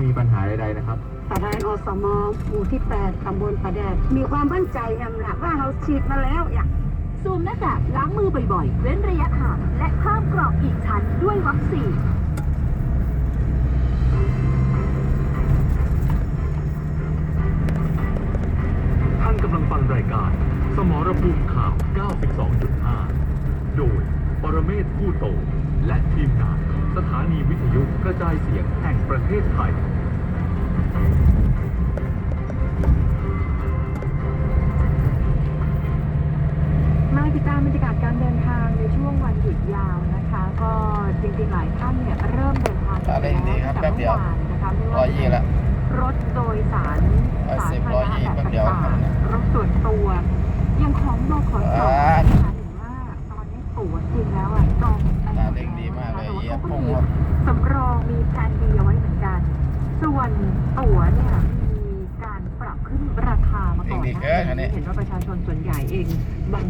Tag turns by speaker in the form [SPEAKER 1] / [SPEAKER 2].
[SPEAKER 1] มีปัญหาใดๆนะครับ
[SPEAKER 2] ประธานอสมหมู่ที่ 8 ตำบลประแดดมีความมั่นใจอย่างหนักว่าเราฉีดมาแล้วอย่าง
[SPEAKER 3] สวมหน้ากากล้างมือบ่อยๆ เว้นระยะห่างและเพิ่มกรอบอีกชั้นด้วยวัคซีน
[SPEAKER 4] ท่านกำลังฟังรายการสมรภูมิข่าว 92.5 โดยปรเมศผู้โต และทีมงานสถานีวิทยุกระจายเสียงแห่งประเทศไทย
[SPEAKER 5] มาติดตามบรรยากาศการเดินทางในช่วงวันหยุดยาวนะคะ ก็จริงๆหลายท่านเนี่ยเริ่มเดินทางกันแล้วตั้งแต่เมื่อวานนะคะไม่ว่าจะเป็นรถโดยสารสาธารณะแบบต่างๆรถส่วนตัวอย่างของบขสนะคะเห็นว่าตอนนี้ตั๋วจริงแล้วอ่ะจองไปหมดแล้วนะคะแต่ว่าเขาก็มีสำรองมีแผนดีเอาไว้เหมือนกันส่วนตั๋วเนี่ยมีการปรับขึ้นราคามาก่อนนะเห็นว่าประชาชนส่วนใหญ่เองบาง